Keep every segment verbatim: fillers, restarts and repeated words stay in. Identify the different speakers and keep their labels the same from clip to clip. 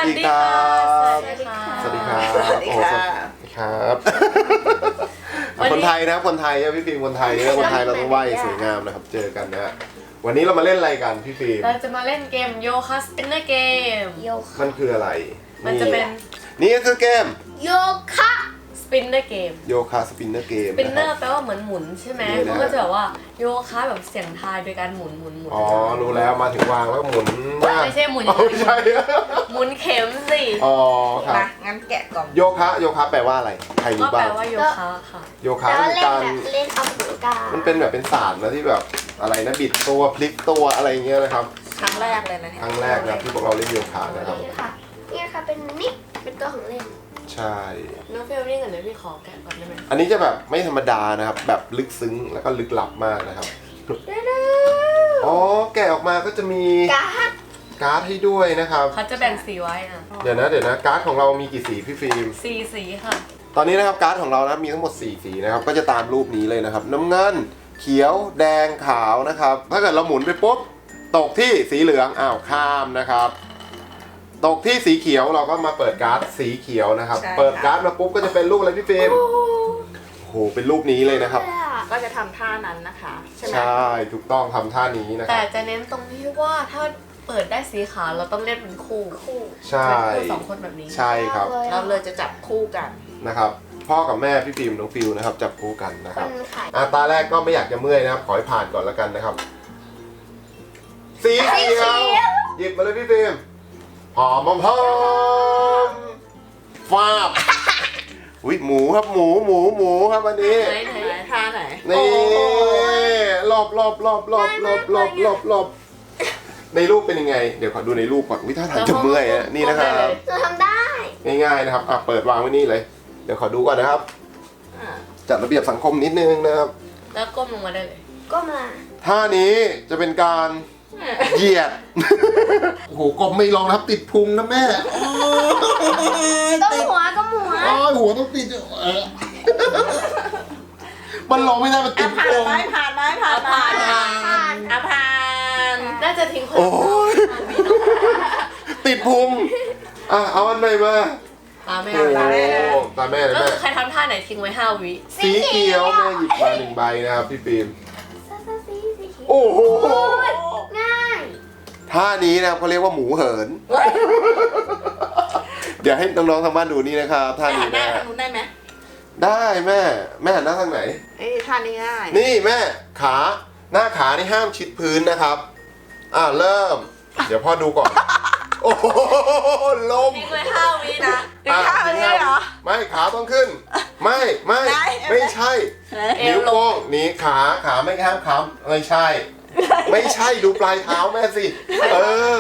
Speaker 1: ดีครับ
Speaker 2: สวัสดีค่ะ
Speaker 1: สวัสดีครับ
Speaker 3: สวัสดีค่ะ
Speaker 1: ครับคนไทยนะคนไทยนะพี่ฟิล์มคนไทยนะคนไทยเราต้องไหว้สวยงามนะครับเจอกันนะวันนี้เรามาเล่นอะไรกันพี่ฟิล์ม
Speaker 2: เราจะมาเล่นเกมโยคะสปินเนอร์เกม
Speaker 3: โยคะ
Speaker 1: มันคืออะไร
Speaker 2: มันจะเป็น
Speaker 1: นี่ก็คือเกม
Speaker 3: โยคะ
Speaker 2: สปินเนอร์เกม
Speaker 1: โยคะสปินเนอร์เกม
Speaker 2: สปินเนอร์แปลว่าเหมือนหมุนใช่ไหม
Speaker 1: นี่นะ
Speaker 2: มันก็จะแบบว่าโยคะแบบเสียงทายโดยการหมุนหมุนหมุน
Speaker 1: อ๋อรู้แล้วมาถึงวางแล้วหมุนว่า
Speaker 2: ไม่ใช่หมุน
Speaker 1: อ๋อไม่ใช่
Speaker 2: หมุนเข็มสิ
Speaker 1: อ๋อครับ
Speaker 3: มางั้นแกะกล่อง
Speaker 1: โยคะโยคะแปลว่าอะไรใคร
Speaker 2: ก็
Speaker 1: รู้
Speaker 2: แป
Speaker 1: บ้า
Speaker 2: ล
Speaker 1: ง
Speaker 2: ว่าโยคะค่ะ
Speaker 1: โยคะ
Speaker 3: แล้ว
Speaker 1: คือ
Speaker 3: เล่น
Speaker 1: การ
Speaker 3: แบบเล่นออกกำลังกาย
Speaker 1: มันเป็นแบบเป็นศาสตร์นะที่แบบอะไรนะบิดตัวพลิกตัวอะไรอย่างเงี้ยนะครับ
Speaker 3: ครั้งแรกเลยนะเนี่ย
Speaker 1: ครั้งแรกนะที่พวกเราเล่นโยคะนะครับ
Speaker 3: นี่ค่ะนี่ค่ะเป็นนี่เป็นตัวของเล่น
Speaker 1: ใช่
Speaker 2: น้องเฟลนี่ก่อนเดี๋ยวพี่ขอแกะก่อนได้ไหม
Speaker 1: อันนี้จะแบบไม่ธรรมดานะครับ แบบลึกซึ้งแล้วก็ลึกลับมากนะครับ อ๋อแกะออกมาก็จะมี
Speaker 3: การ์ด
Speaker 1: การ์ดให้ด้วยนะครับ
Speaker 2: เขาจะแบ่งสีไว้อ่ะ
Speaker 1: เดี๋ยวนะเดี๋ยวนะการ์ดของเรามีกี่สีพี่ฟิล์ม
Speaker 2: สีสีค่ะ
Speaker 1: ตอนนี้นะครับการ์ดของเรานะมีทั้งหมดสี่สีนะครับก็จะตามรูปนี้เลยนะครับ น้ำเงินเขียวแดงขาวนะครับ ถ้าเกิดเราหมุนไปปุ๊บตกที่สีเหลืองอ้าวข้ามนะครับ ตกที่สีเขียวเราก็มาเปิดการ์ดสีเขียวนะครับ เปิดการ์ดมาปุ๊บก็จะเป็นรูปอะไรพี่ฟิล์มโอ้โหเป็นรูปนี้เลยนะครับ
Speaker 3: ก็จะทำท่านั้นนะคะใช่ไหม
Speaker 1: ใช่ถูกต้องทำท่านี้นะค
Speaker 2: แต่
Speaker 1: รับ
Speaker 2: จะเน้นตรงที่ว่าถ้าเปิดได้สีขาวเราต้องเล่นเป็นคู่
Speaker 3: คู่
Speaker 1: ใช่
Speaker 2: เป็นคู่สองคนแบบนี้
Speaker 1: ใช่ครับ
Speaker 3: เราเลยจะจับคู่กัน
Speaker 1: นะครับ พ่อกับแม่พี่ฟิล์มน้องฟิวนะครับจับคู่กันนะ
Speaker 3: ค
Speaker 1: ครับ
Speaker 3: นขาย
Speaker 1: อ่ะตาแรกก็ไม่อยากจะเมื่อยนะครับขอให้ผ่านก่อนแล้วกันนะครับ สีเขียวหยิบมาเลยพี่ฟิล์มหอมหอมฟาบอุ้ยหมูครับหมูหมูหมูครับอันนี้
Speaker 2: ไหนไหน
Speaker 3: ไหนท่าไหน
Speaker 1: นี่รอบรอบรอบรอบรอบรอบรอบรอบในรูปเป็นยังไง เดี๋ยวขอดูในรูปก่อนวิท่าทางจะเมื่อยอะนี่นะครับ
Speaker 3: เราทำได้
Speaker 1: ง่ายๆนะครับอ่ะเปิดวางไว้นี่เลย เดี๋ยวขอดูก่อนนะครับ
Speaker 3: อ่ะ
Speaker 1: จัดระเบียบสังคมนิดนึงนะครับ
Speaker 2: แล้วก้มลงมาได้เลย
Speaker 3: ก็มา
Speaker 1: ท่านี้จะเป็นการเหยียด โอ้โหกบไม่ลองนะครับติดพุงนะแม่
Speaker 3: ก็หัวก็หัว
Speaker 1: โอ้ยหัวต้องติดเออมันลงไม่ได้มันติ
Speaker 3: อ่ะ
Speaker 1: ด
Speaker 3: ผ่าน
Speaker 1: พุง
Speaker 3: ไหมผ่านไหมผ่านไหม
Speaker 2: ผ่าน
Speaker 3: ผ่านอ่ะผ่าน
Speaker 2: น่าจะทิ้งคน
Speaker 1: โอ้ยติดพุงอ่ะเอาอันไหนมา
Speaker 2: ตาแม่
Speaker 1: โอ้
Speaker 2: ตาแม่
Speaker 1: ตาแม่เลย
Speaker 2: ก็
Speaker 1: แม่
Speaker 2: คือใครทำท่าไหนทิ้งไว้ห้าวิ
Speaker 1: สีเขียวแม่หยิบมาหนึ่งใบนะครับพี่ฟิล์ม
Speaker 3: สีสีเขียว
Speaker 1: โอ้โห
Speaker 3: ง่าย
Speaker 1: ท่านี้นะครับเขาเรียกว่าหมูเหิน เดี๋ยวให้น้องๆทางบ้านดูนี่นะครับท่า
Speaker 3: หั
Speaker 1: นี้
Speaker 3: นหน้า
Speaker 1: นะ
Speaker 3: ทางนู้นได้ไหม
Speaker 1: ได้แม่แม่หันหน้าทางไหน
Speaker 3: เอ้ยท่านี้ง่าย
Speaker 1: นี่แม่ขาหน้าขานี่ห้ามชิดพื้นนะครับ อ่าเริ่ม เดี๋ยวพ่อดูก่อน โอ้โหลม
Speaker 2: ทิ้งไว้ห้าวินะ
Speaker 3: ถึงท่าแบบนี้เหรอ
Speaker 1: ไม่ขาต้องขึ้น ไม่ไม่
Speaker 3: ไหน
Speaker 1: ไม่ใช่
Speaker 2: เอว
Speaker 1: นิ้ว
Speaker 2: ลง
Speaker 1: โป้งนี่ขาขาไม่ห้ามค้ำไม่ใช่ ไม่ใช่ดูปลายเท้าแม่สิ เออ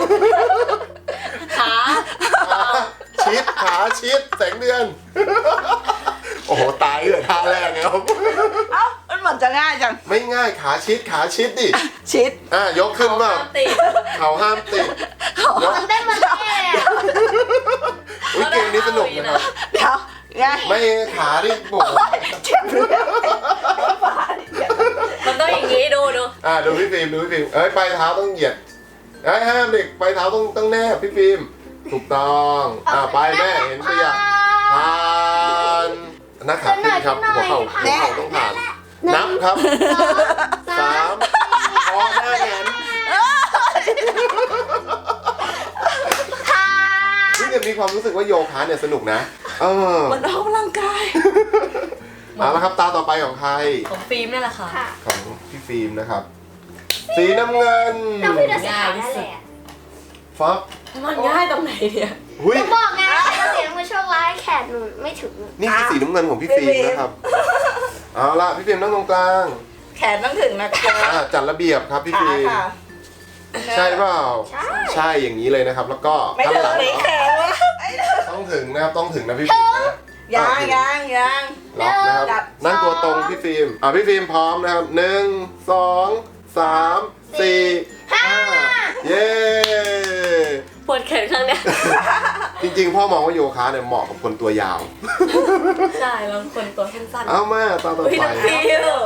Speaker 2: ขา
Speaker 1: ขาชิดขาชิดแสงเดือน โอ้โหตายเลยท่าแรกครับ
Speaker 3: เอ้ามันเหมือนจะง่ายจัง
Speaker 1: ไม่ง่ายขาชิดขาชิดดิ
Speaker 3: ชิด
Speaker 1: อ่ะยกขึ้นมา
Speaker 2: ห้ามติด
Speaker 1: เขาห้ามติดยก
Speaker 3: ทำได้มาแล้ว
Speaker 1: อุ้ยเกมนี้สนุกนะครับ
Speaker 3: เดี๋ยวไง
Speaker 1: ไม่ขาดิโอ้โห
Speaker 3: เจ็บเลย
Speaker 2: มันต้องอย่างนี้ดูดู
Speaker 1: อ่ะดูพี่ฟิล์มดูพี่ฟิล์มเอ้ยปลายเท้าต้องเหยียดเอ้ยห้ามเด็กปลายเท้าต้องต้องแนบพี่ฟิล์มถูกต้องอ่ะไปแม่เห็นตัวอย่างผ่านหน้าขาขึ้นครับหัวเข่าหัวเข่าต้องผ่านนับครับสามพอหน้าแขนพี่เนี่ยมีความรู้สึกว่าโยคะเนี่ยสนุกนะเออ
Speaker 3: มันออกกำลังกาย
Speaker 1: เอาละครับตาต่อไปของใคร
Speaker 2: ของฟิล์มนี่แหละค่ะ
Speaker 3: ค่ะ
Speaker 1: ของพี่ฟิล์มนะครับ สีน้ำเงิน
Speaker 3: ต้องพี่เดชานั่นแหละ
Speaker 1: ฟับ
Speaker 2: มันง่ายตรงไหนเนี่ย
Speaker 1: หุย
Speaker 3: จะบอกไงว่าเสียงมันโชคร้ายแขนหนูไม่ถึง
Speaker 1: นี่คือสีน้ำเงินของพี่ฟิล์มนะครับเอาละพี่ฟิล์มนั่งตรงกลาง
Speaker 3: แขนต้องถึงนะคะ
Speaker 1: อ่ะจัดระเบียบครับพี่
Speaker 3: ขา
Speaker 1: ฟิล์ม
Speaker 3: ค่ะ
Speaker 1: ใช่เปล่า
Speaker 3: ใช่
Speaker 1: ใช่อย่างนี้เลยนะครับ แล้วก็
Speaker 3: ไม่
Speaker 1: ข้าง
Speaker 3: ถึ
Speaker 1: ห
Speaker 3: ง
Speaker 1: ลัง
Speaker 3: เลยแขนวะไม่ถึง
Speaker 1: ต้องถึงนะครับต้องถึงนะพี่ฟิล์มนะ
Speaker 3: ยังยังยัง
Speaker 1: ล็อกนะครับนั่งตัวตรงพี่ฟิล์มอ่ะพี่ฟิล์มพร้อมนะครับหนึ่งสองสามสี่ห้าเย้
Speaker 2: ปวดแขนข้างเนี้ย
Speaker 1: จริงๆพ่อมองว่าโยคะเนี่ยเหมาะกับคนตัวยาว
Speaker 2: ใช่บางคนตัวสั้นๆ
Speaker 1: เอามาตาต่อ
Speaker 2: อุ้ย
Speaker 1: ไป
Speaker 2: น้ำฟิว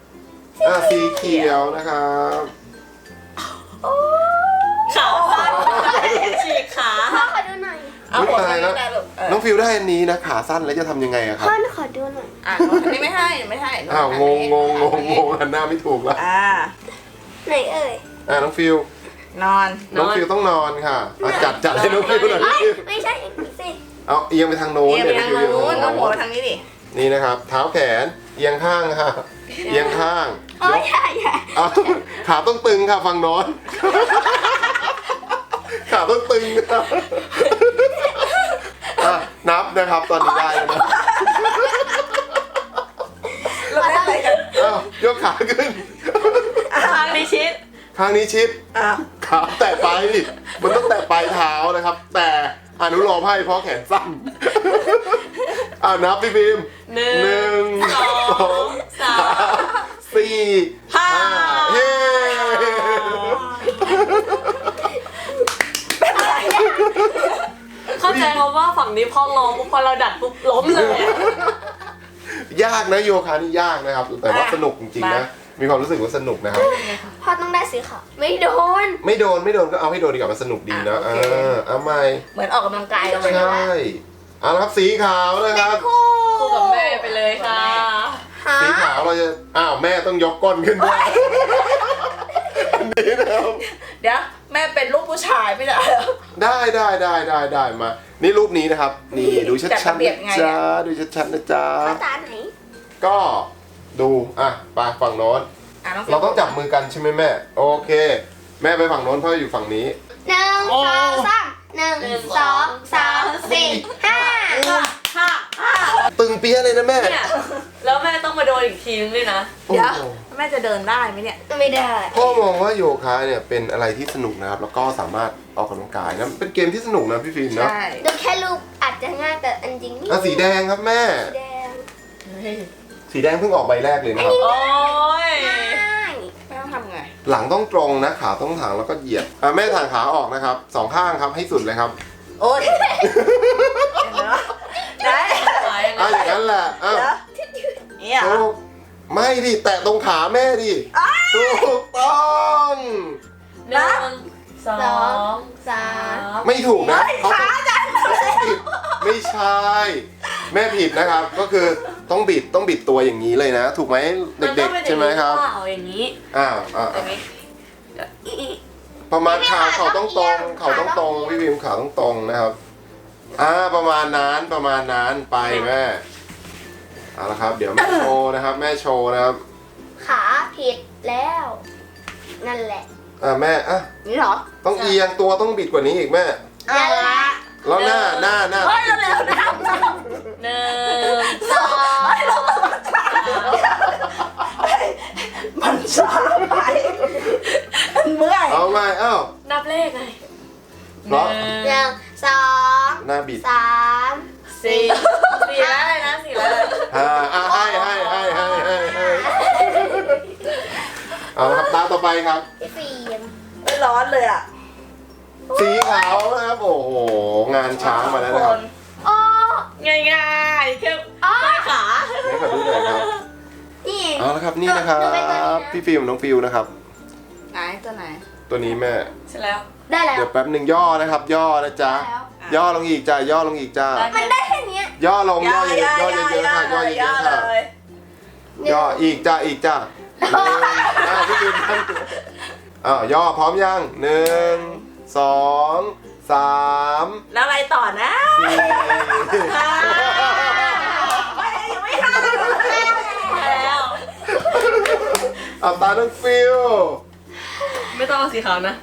Speaker 1: อ่ะสีเขียวนะครับ
Speaker 2: ขาสั้น
Speaker 1: โอ้
Speaker 3: เอา
Speaker 1: อุ๊ย
Speaker 3: หัว
Speaker 1: ตายแล้ว
Speaker 3: ได้ลูกเออ
Speaker 1: น้องฟิวได้อันนี้นะขาสั้นแล้วจะทำยังไงอะครับ
Speaker 3: พ่อขอดูหน่อยอ่ะอันนี้ไม่ให้ไม่ให้
Speaker 1: อ้าวงงงงงงงหันหน้าไม่ถูกแล้ว
Speaker 3: อ่า
Speaker 2: ไหนเอ่ย
Speaker 1: อ่าน้องฟิวน
Speaker 3: อน
Speaker 1: น้องฟิวต้องนอนค่ะอ่ะจัดจัดให้น้องฟิวหน่อยน้องฟิว
Speaker 2: ไม่ใช่อย่างนี้สิ
Speaker 1: เอาเอียงไปทางโน้น
Speaker 3: เอียง
Speaker 1: เดี๋ยว
Speaker 3: ไป
Speaker 1: น้อง
Speaker 3: ทาง
Speaker 1: ฟิว
Speaker 3: นู้น
Speaker 1: เอียง
Speaker 3: เอาหัว
Speaker 1: ไป
Speaker 3: ไปทางนี้ดิ
Speaker 1: นี่นะครับ เท้าแขนเอียงข้างค่ะเอียงข้าง
Speaker 2: โอ้ยใช่ใช่
Speaker 1: เอาขาต้องตึงค่ะฝั่งโน้นขาต้องตึงครับอ่ะนับนะครับตอนนี้ได้แล้วนะ
Speaker 3: เราเล่นอะไรกัน
Speaker 1: อ้าวยกขาขึ้น
Speaker 2: ทางดิชิด
Speaker 1: ข้างนี้ชิด
Speaker 3: อ่ะ
Speaker 1: ขาแตะปลายดิมันต้องแตะปลายเท้านะครับ แต่อนุโลมให้เพราะแขนสั้นอ่านับพี่บีม
Speaker 2: หนึ่ง
Speaker 1: หนึ่ง
Speaker 2: สองสาม
Speaker 1: สี่ห้าเฮ้
Speaker 2: เข้าใจเขาว่าฝั่งนี้พอลองปุ๊บพอเราดัดปุ๊บล้มเลยอะ
Speaker 1: ยากนะโยคะนี่ยากนะครับ แต่ว่าสนุกจริงๆนะ มีความรู้สึกว่าสนุกนะครับ
Speaker 2: พ่อต้องได้สีขาวไม่โดน
Speaker 1: ไม่โดนไม่โดนก็เอาให้โดนดีกว่ามันสนุกดีนะเออเอาใหม่
Speaker 3: เหมือนออกกำลังกายกันเลย
Speaker 1: ใช่เอาละครับสีขาวนะครับ
Speaker 2: คู่กับแม่ไปเลยค่ะฮะ
Speaker 1: สีขาวเราจะอ้าวแม่ต้องยกก้นขึ้นด้วยอันนี้นะครับ
Speaker 3: เดี๋ยวแม่เป็นลูกผู้ชายไม่ได้เหรอ
Speaker 1: ได้ได้ได้ได้ได้มา นี่รูปนี้นะครับ นี่ดูชัด
Speaker 3: จัด
Speaker 1: ชัด
Speaker 3: ระเบียบไง
Speaker 1: นะ
Speaker 3: อะ
Speaker 1: จ๊ะดูชัดชัดนะจ๊ะ
Speaker 2: ภาษาไหน
Speaker 1: ก็ดูอ่ะไปฝั่งโน้น
Speaker 3: อ่ะน้องฟิว
Speaker 1: เราต้องจับมือกันใช่ไหมแม่ โอเค แม่ไปฝั่งโน้นพ่ออยู่ฝั่งนี้
Speaker 2: หนึ่งสองสามหนึ่งสองสามสี่ห้าห้า
Speaker 1: ตึงเปี้ยเลยนะแม่
Speaker 2: เนี่ยแล้วแม่ต้องมาโดนอีกทีนึงด้วยนะ
Speaker 1: โอ้
Speaker 3: เดี๋ยว
Speaker 1: โห
Speaker 3: แม่จะเดินได้ไหมเนี่ย
Speaker 2: ไม่ได้
Speaker 1: พ่อมองว่าโยคะเนี่ยเป็นอะไรที่สนุกนะครับ แล้วก็สามารถออกกำลังกายนะเป็นเกมที่สนุกนะพี่ฟิล์มเนาะ
Speaker 3: ใช่
Speaker 2: ดูแค่รูปอาจจะง่ายแต่อันจริงนี่
Speaker 1: อ่ะสีแดงครับแม่
Speaker 2: สีแดง
Speaker 1: สีแดงเพิ่งออกใบแรกเลยนะครับ
Speaker 2: โอ้ยง่าย
Speaker 3: แม่ต้องทำไง
Speaker 1: หลังต้องตรงนะขาต้องถางแล้วก็เหยียดอ่ะแม่ถางขาออกนะครับสองข้างครับให้สุดเลยครับ
Speaker 3: โอ๊ยเห็นไหมได้
Speaker 1: อ่ะอย่างนั้นแหละอ่ะ
Speaker 3: เดี๋ยวเนี่ยเหรอ
Speaker 1: ถูกไม่ดิแตะตรงขาแม่ดิถูกต้อง
Speaker 2: หนึ่งสองสาม
Speaker 1: ไม่ถูกนะเขาต้องเขาต้องบิดไม่ใช่ แม่ผิดนะครับ ก็คือต้องบิดต้องบิดตัวอย่างนี้เลยนะ ถูกไหมเด็กๆใช่ไหมครับ
Speaker 2: มันต้องเป็นอย่างนี้เปล่าอย่างนี้
Speaker 1: อ้าวอ่า
Speaker 3: ตรงนี้
Speaker 1: ประมาณขาเขาต้องตรงเขาต้องตรงพี่วิมขาต้องตรงนะครับอ่าประมาณนั้นประมาณนั้นไปแม่เอาละครับ เดี๋ยวแม่โชว์นะครับ แม่โชว์นะครับ
Speaker 2: ขาผิดแล้ว นั่นแหละ
Speaker 1: อ่าแม่อ่ะ
Speaker 3: นี่เหรอ
Speaker 1: ต้องเอียงตัวต้องบิดกว่านี้อีกแม่
Speaker 3: เอาละ
Speaker 1: แล้วหน้าหน้าหน้า
Speaker 3: เฮ้ยเร็วๆนะ
Speaker 2: หนึ่งสองสาม
Speaker 3: มันช้าไปมันเมื่อย
Speaker 1: เอาไงเอ้า
Speaker 2: นับเลขไง
Speaker 1: เพราะ
Speaker 2: หนึ่งสอง
Speaker 1: หน้าบิด
Speaker 2: สามสี่สี่แล้วเลยนะสี่แล้วเลย
Speaker 1: อ่าอ่าให้ให้ให้ให้ให้ให้เอาละครับตาต่อไปครับ
Speaker 2: พี่ฟิล์ม
Speaker 3: ไม่ร้อนเลยอ่ะ
Speaker 1: สีขาวนะครับ โอ้โห งานช้างมาแล้วนะครับ
Speaker 2: โอ้
Speaker 3: ง่ายง่ายๆแค่
Speaker 2: อ๋อ
Speaker 3: ขา
Speaker 1: ให้ขอดูหน่อยครับ
Speaker 2: นี่
Speaker 1: เอาละครับนี่นะครับ
Speaker 2: ตัวเป็นตัวนี้นะ
Speaker 1: พี่ฟิล์มน้องฟิวนะครับ
Speaker 3: ไหนตัวไหน
Speaker 1: ตัวนี้แม่
Speaker 3: เสร็จแล้ว
Speaker 2: ได้แล้ว
Speaker 1: เดี๋ยวแป๊บหนึ่งย่อนะครับ ย่อนะจ๊ะ
Speaker 2: ได้แล้ว
Speaker 1: ย่อลงอีกจ้าย่อลงอีกจ้า
Speaker 2: มันได้แค่เนี้ย
Speaker 1: ย่อลงย่อเยอะๆย่อเยอะๆค่ะย่อเยอะๆค่ะ
Speaker 3: เลย
Speaker 1: ย่ออีกจ้าอีกจ้าหนึ่งอ้าวพี่ฟิล์มตั้งตัวอ้าวย่อพร้อมยังหนึ่งสองสาม
Speaker 3: แล้วอะไรต่อนะ
Speaker 1: สี่
Speaker 3: ไม่ยังไม่ห้าเลย
Speaker 2: แล้ว
Speaker 1: เอาตาน้องฟิว
Speaker 2: ไม่ต้องเอาสีขาวนะ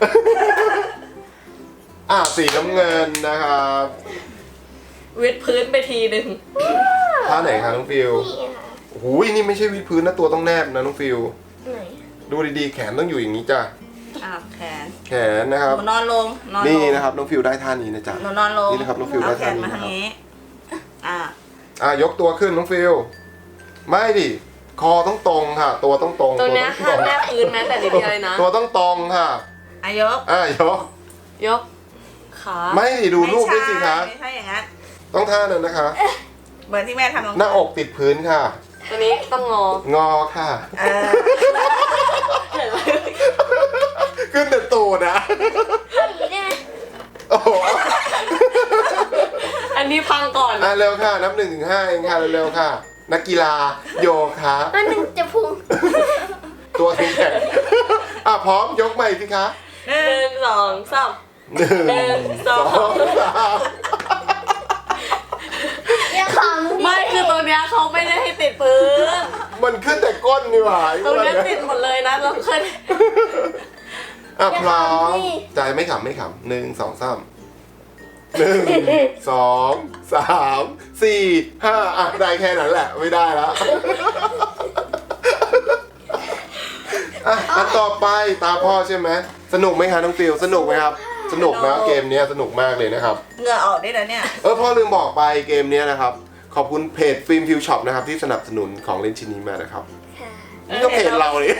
Speaker 1: อ่ะสีน้ำเงินนะครับ
Speaker 2: วิดพื้นไปทีหนึ่ง
Speaker 1: ท่าไหนคะน้องฟิว
Speaker 2: นี่ค่ะ
Speaker 1: โอ้โหนี่ไม่ใช่วิดพื้นนะตัวต้องแนบนะน้องฟิว
Speaker 2: ไหน
Speaker 1: ดูดีๆแขนต้องอยู่อย่างนี้จ้ะ
Speaker 3: อ่ะแขน
Speaker 1: แขนนะครับ
Speaker 3: หนูนอนลงนอนลง
Speaker 1: นี่นะครับน้องฟิวได้ท่านี้นะจ๊ะ
Speaker 3: หนูนอนลง
Speaker 1: นี่นะครับน้องฟิวได้
Speaker 3: เอาแข
Speaker 1: ท่าน นี้
Speaker 3: มา
Speaker 1: นะ
Speaker 3: ทาง
Speaker 1: ครับ
Speaker 3: นี้อ่ะ
Speaker 1: อ่ะยกตัวขึ้นน้องฟิวไม่ดิคอต้องตรงค่ะ ตัวต้องตรง
Speaker 2: ตัวเนี้ย
Speaker 1: ต้
Speaker 2: ห้า
Speaker 1: อง
Speaker 2: ม
Speaker 1: ต
Speaker 2: แน
Speaker 3: Dạ.
Speaker 2: บพื้นแม้แต่นิดเดียวเลยนะ
Speaker 1: ตัวต้องตรงค่ะ
Speaker 3: อายก
Speaker 1: อ่ะยก
Speaker 2: ยก ขา
Speaker 1: ไม่ดิดูรูปด้วยสิคะ
Speaker 3: ไม่ใช่อย่างนั้น
Speaker 1: ต้องท่านั้นนะคะ
Speaker 3: เหมือนที่แม่ทำลง
Speaker 1: หน้าอกติดพื้นค่ะ
Speaker 2: ตัวนี้ต้องงอ
Speaker 1: งอค่ะ
Speaker 3: เออ
Speaker 2: เห็นไหม
Speaker 1: ขึ้นแต่ตูดนะ
Speaker 2: อย่างนี้ได้ไหม
Speaker 1: โอ้โห
Speaker 4: นนี้พังก่อน
Speaker 1: อ่ะเร็วค่ะนับหนึ่งถึงห้าเองค่ะเร็วๆค่ะ นักกีฬาโยคะ
Speaker 2: มันหนึ่งจะพุง
Speaker 1: ตัวแข็งๆอ่ะพร้อมยกใหม่สิคะ
Speaker 4: หนึ่งสองสาม
Speaker 1: หนึ่ง
Speaker 4: หนึ่ง
Speaker 1: ส
Speaker 4: ส
Speaker 1: อ
Speaker 4: อง
Speaker 1: งสาม
Speaker 2: ยังขำ
Speaker 4: ไม่คือตรงเนี้ยเขาไม่ได้ให้ติดพื้น
Speaker 1: มันขึ้นแต่ก้นนี่หว่า
Speaker 4: ตรงเนี้ยติดหมดเลยนะเราเคย
Speaker 1: อ่ะพร้อมใจไม่ขำไม่ขำหนึ่งสองสามหนึ่งสองสามสี่ห้าอ่ะได้แค่นั้นแหละไม่ได้แล้วอ่ะอันต่อไปตาพ่อใช่ไหมสนุกไหมคะน้องฟิลสนุกไหมครับ สนุกนะเกมเนี้ยสนุกมากเลยนะครับ
Speaker 3: เหงื่อออกได้แล้วเนี่ย
Speaker 1: เออพ่อลืมบอกไปเกมเนี้ยนะครับ ขอบคุณเพจฟิล์มฟิวช็อปนะครับที่สนับสนุนของเล่นชิ้นนี้มานะครับ
Speaker 2: ค่ะ
Speaker 1: นี่ก็เพจเราเลย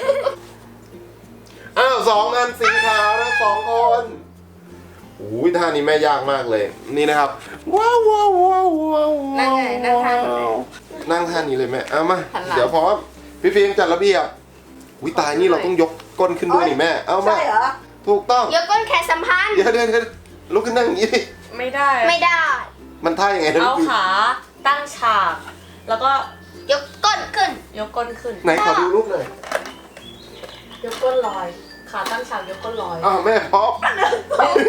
Speaker 1: อ้าวสองอันสีขาวนะสองคนอุ้ยท่านี้แม่ยากมากเลย นี่นะครับว้าวว้าวว้าวว้าว
Speaker 3: นั่งไงนั่งท่าไหน
Speaker 1: นั่งท่านี้เลยแม่เอามาเดี๋ยวพร้อมพี่ฟิล์มจัดระเบียบอุ้ยตายนี่เราต้องยกก้นขึ้นด้วยนี่แม่เอามา
Speaker 3: ใช่เหรอ
Speaker 1: ถูกต้อง
Speaker 2: ยกก้นแขนสัมพันธ์
Speaker 1: เดี๋ยวเดี๋ยวเดี๋ยวลุกขึ้นนั่งอย่างนี้ดิ
Speaker 4: ไม่ได้
Speaker 2: ไม่ได้
Speaker 1: มันท่ายังไงนะ
Speaker 4: เอา
Speaker 1: พี่ฟิล์ม
Speaker 4: ขาตั้งฉาก แล้วก็
Speaker 2: ยกก้นขึ้น
Speaker 4: ยกก้นขึ้น
Speaker 1: ไหนขอดูรูปหน่อย
Speaker 4: ยกก้นลอย ขาตั้งฉากยกก้นลอย
Speaker 1: อ้าวแม่พร้อม
Speaker 4: หนึ่ง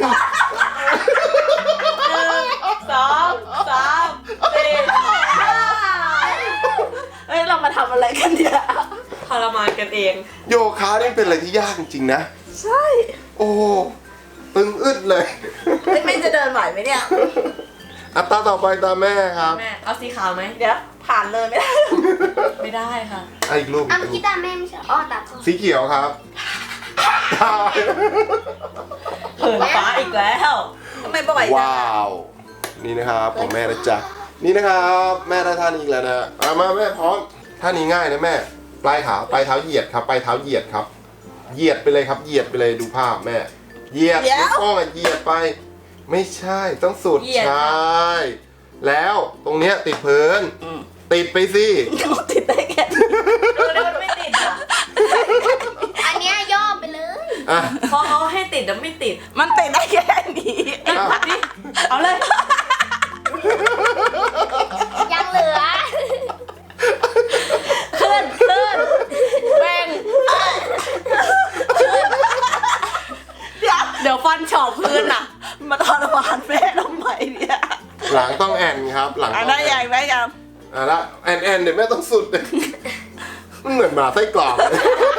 Speaker 4: สองสามสี่ห้า
Speaker 3: เอ้ยเรามาทำอะไรกันเนี่ย
Speaker 4: ทรมานกันเอง
Speaker 1: โยคะนี่เป็นอะไรที่ยากจริงๆนะ
Speaker 3: ใช่
Speaker 1: โอ้ตึงอึดเลย
Speaker 3: เฮ้ยแม่จะเดินไหวไหมเนี่ย
Speaker 1: อัตราต่อไปตามแม่ครับ
Speaker 4: แม่ เอาสีขาวไหม
Speaker 3: เดี๋ยวผ่านเลยไม่ได้
Speaker 4: ไม่ได้ค่ะ
Speaker 1: อ่ะอีกรูป
Speaker 2: อ่ะเมื่อกี้ตาแม่ไม่ใช่อ้อตาพ่อ
Speaker 1: สีเขียวครับ
Speaker 4: เหินฟ้าอีกแล้ว
Speaker 3: ทำไมบ่อยจัง
Speaker 1: ว้าว นี่นะครับของแม่นะจ๊ะนี่นะครับแม่ได้ท่านี้อีกแล้วนะเอามาแม่พร้อมท่านี้ง่ายนะแม่ ปลายขาปลายเท้าเหยียดครับปลายเท้าเหยียดครับ เหยียดไปเลยครับ เหยียดไปเลยดูภาพแม่ เหยียดนิ้วโป้งอ่ะเหยียดไป ไม่ใช่ต้องสุด
Speaker 4: เหยียด
Speaker 1: ใช
Speaker 4: ค่ะ
Speaker 1: ่แล้วตรงเนี้ยติดพื้นติดไปสิ
Speaker 3: เขาติดได้แค่นี้
Speaker 4: ดูดิมันไม่ติดอ่ะ
Speaker 2: อันเนี้ยย่อไปเลย
Speaker 1: อ่ะ
Speaker 4: เพราะเขาให้ติดแล้วไม่ติด
Speaker 3: มันติดได้แค่นี้
Speaker 1: อ่ะ
Speaker 4: นี่เอาเลย
Speaker 2: ยังเหลือ
Speaker 4: ขึ้นขึ้นแบ่ง
Speaker 3: เดี๋ยว
Speaker 4: เดี๋ยวฟันเฉาะพื้นอ่ะ
Speaker 3: มาทรมานแม่ทำไมเนี่ย
Speaker 1: หลังต้องแอนครับ หลัง
Speaker 3: อ่ะ
Speaker 1: ต้อง
Speaker 3: ได้
Speaker 1: แอ
Speaker 3: ยัง
Speaker 1: น
Speaker 3: ได้ยัง
Speaker 1: อ่ะละแอนแอนเดี๋ยวแม่ต้องสุดเลยมันเหมือนหมาไส้กรอกเลย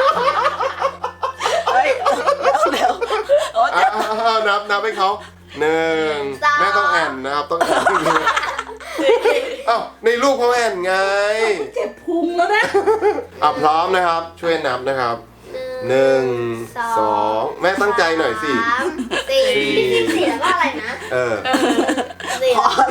Speaker 3: เฮ้ยเร็วเร็วโอ้
Speaker 1: อ่ะ
Speaker 3: เจ็บ
Speaker 1: อ่ะอ่ะนับนับให้เขาหนึ่งแม่ต้องแอนนะครับต้องแอนเอ้าในรูปเขาแอนไง
Speaker 3: เจ็บพุงแล้วนะ
Speaker 1: อ่ะพร้อมนะครับ ช่วยนับนะครับหนึ่งสองแม่ตั้งใจหน่อยสิ
Speaker 2: สามสี่พี่สิบสี่แล้วว่าอะไรนะ
Speaker 1: เออ
Speaker 2: สี่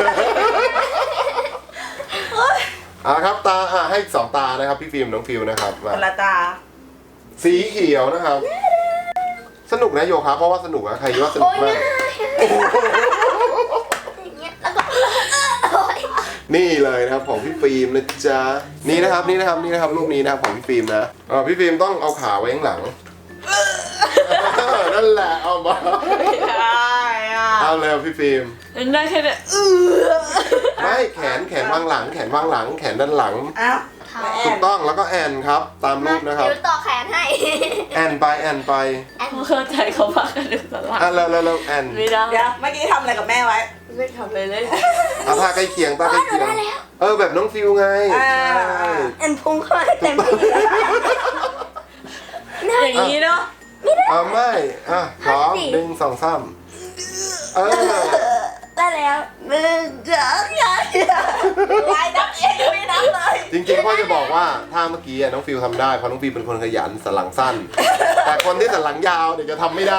Speaker 1: อ่ะครับตาอ่ะให้สองตานะครับพี่ฟิล์มน้องฟิวนะครับมา
Speaker 3: คนละตา
Speaker 1: สีเขียวนะครับ สนุกนะโยคะเพราะว่าสนุกนะใครว่าสนุ
Speaker 2: โอ้
Speaker 1: ก
Speaker 2: ย
Speaker 1: มา
Speaker 2: ง่าก ยอย่างเงี้ยแล้วก็โอ้ย
Speaker 1: นี่เลยนะครับของพี่ฟิล์มนะจ๊ะนี่นะครับนี่นะครับนี่นะครับรูปนี้นะครับของพี่ฟิล์มนะอ่าพี่ฟิล์มต้องเอาขาไว้ข้างหลังเออนั่นแหละเอามา
Speaker 4: ไม่ได้อ่ะ
Speaker 1: เอาเลยพี่ฟิล์ม
Speaker 4: ได้แค่เนี้ย
Speaker 1: ไม่แขนแขนวางหลัง แขนวางหลัง แขนด้านหลัง
Speaker 3: อ้าว
Speaker 2: ค่ะ
Speaker 3: แอ
Speaker 1: ถู
Speaker 3: น
Speaker 1: กต้องแล้วก็แอนครับ ตามรูปนะครับ
Speaker 2: เดี๋ยวต่อแขนให้
Speaker 1: แอนไปแอนไป
Speaker 4: เข้าใจเขาว่ากระดูกสันหลัง
Speaker 1: อ่ะแล้วแล้วแล้วแอน
Speaker 4: ไม่ได้
Speaker 3: เดี๋ยวเมื่อกี้ทำอะไรกับแม่ไว้
Speaker 4: ไม่ทำเลยเลย
Speaker 1: อ่ะท่าใกล้เคียงท่าใกล้เคียงเออแบบน้องฟิวไง
Speaker 3: อ่า
Speaker 1: ใช่
Speaker 2: แอนพุงเข้าให้เต็มที่
Speaker 4: อย่างนี้เนาะ
Speaker 1: เอาไม่อ่ะพร้อมหนึ่งสองสามเออ
Speaker 2: ได้แล้ว
Speaker 3: หนึ่งสองสามสี่วายนับเองยังไม่นับเลย
Speaker 1: จริงๆพ่อจะบอกว่าถ้าเมื่อกี้อ่ะน้องฟิวทำได้เพราะน้องฟิวเป็นคนขยันสันหลังสั้น แต่คนที่สันหลังยาวเดี๋ยวจะทำไม่ได้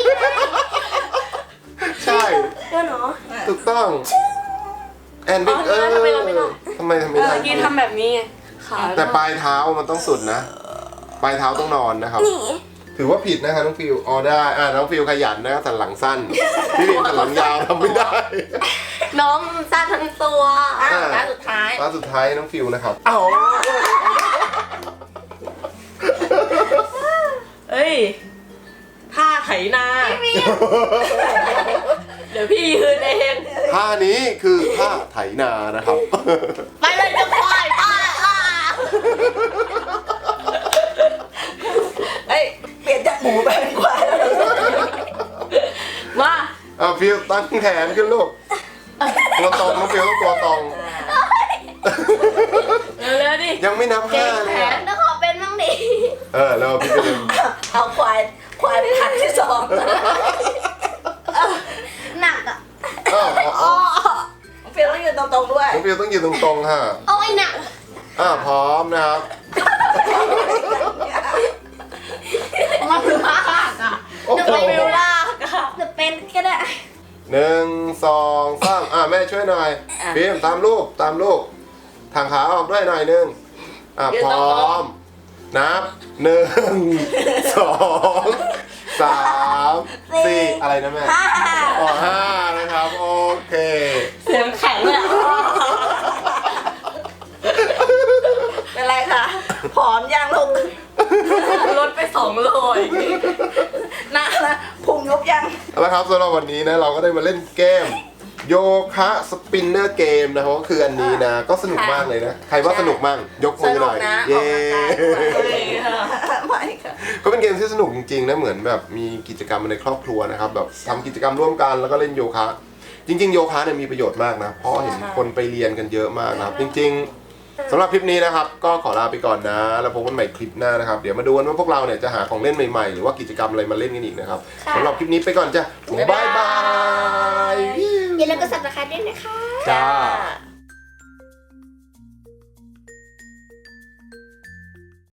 Speaker 1: ใช่
Speaker 2: เดี๋ยวหนู
Speaker 1: ถูกต้องแอนบิ๊กเออทำไมทำไม่ได้
Speaker 4: เมื่อกี้ทำแบบนี้ไงขา
Speaker 1: แต่ปลายเท้ามันต้องสุดนะ ปลายเท้าต้องนอนนะครับ
Speaker 2: หนี
Speaker 1: ถือว่าผิดนะครับน้องฟิวอ๋อได้อ่าน้องฟิวขยันนะครับสันหลังสั้น พี่ฟิวสันหลังยาวทำไม่ได้
Speaker 4: น้องสั้นทั้งตัว
Speaker 3: อ่ะตาสุดท้าย
Speaker 1: ตาสุดท้ายน้องฟิวนะครับเอ้า
Speaker 4: เอ้ยท่าไถนา เดี๋ยวพี่ยืนเอง
Speaker 3: เดี๋ยว
Speaker 1: ท่านี้คือท่าไถนานะครับ
Speaker 3: ไปเลยจะควายป้าล่ะเอ้ยเปลี่ยนจากหมูไปเป็นควายแล้วเหรอ
Speaker 4: มา
Speaker 1: อ่ะฟิวตั้งแขนขึ้นลูกตัวตรงน้องฟิวต้องตัวตรง
Speaker 4: เร็วๆดิ
Speaker 1: ยังไม่นับห้าเลยอ่ะ
Speaker 2: แล้วขอเป็นบ้างดิ
Speaker 1: เออแล้วพี่ไปดึง
Speaker 3: เอาควายควายเป็นครั้งที่สอง
Speaker 2: หนักอ่ะ
Speaker 1: อ้าวอ๋อ
Speaker 3: อ๋อเฟียต้องยืนตรงๆด้วย
Speaker 1: น้องฟิวต้องยืนตรงๆค่ะ
Speaker 2: โอ้ยหนัก
Speaker 1: อ่าพร้อมนะครับ
Speaker 4: มันลากอ่ะ
Speaker 1: โอ้โห
Speaker 4: ฟิวลากอ่ะ
Speaker 2: จะเป็นก็ได้
Speaker 1: หนึ่งสองสามอ่าแม่ช่วยหน่อยฟิล์มตามลูกตามลูกทางขาออกด้วยหน่อยหนึงอ่าพร้อมนับหนึ่งสองสามสี่อะไรนะแม่
Speaker 3: ห้า
Speaker 1: อ๋อห้านะครับโอเค
Speaker 4: เสียงแข็งเลยอ่ะ
Speaker 3: เป็นไรคะผอมยังลูก
Speaker 4: ลดไปสองโลอีก
Speaker 3: นะนะพุงยุบยัง
Speaker 1: เอาละครับสำหรับวันนี้นะเราก็ได้มาเล่นเกมโยคะสปินเนอร์เกมนะครับก็คืออันนี้นะก็สนุกมากเลยนะใครว่าสนุกมั่งยก
Speaker 3: ส
Speaker 1: มือ
Speaker 3: นุ
Speaker 1: ห
Speaker 3: ก
Speaker 1: น่อย
Speaker 3: นะอ
Speaker 1: เย้
Speaker 3: อกกำลังกายด้วย
Speaker 4: เลยค่ะ
Speaker 3: ไม่ค่ะ
Speaker 1: ก็เป็นเกมที่สนุกจริงๆนะเหมือนแบบมีกิจกรรมในครอบครัวนะครับแบบทำกิจกรรมร่วมกันแล้วก็เล่นโยคะ จริง ๆ โยคะเนี่ยมีประโยชน์มากนะเพราะเห็นคนไปเรียนกันเยอะมากนะครับจริงๆสำหรับคลิปนี้นะครับก็ขอลาไปก่อนนะแล้วพบกันใหม่คลิปหน้านะครับเดี๋ยวมาดูกันว่าพวกเราเนี่ยจะหาของเล่นใหม่ๆหรือว่ากิจกรรมอะไรมาเล่นกันอีกนะครับสำหรับคลิปนี้ไปก่อนจ้ะบ๊ายบาย
Speaker 2: อย่าลืมกด ซับสไครบ์ด้วยนะคะ
Speaker 1: จ้า
Speaker 3: จ้า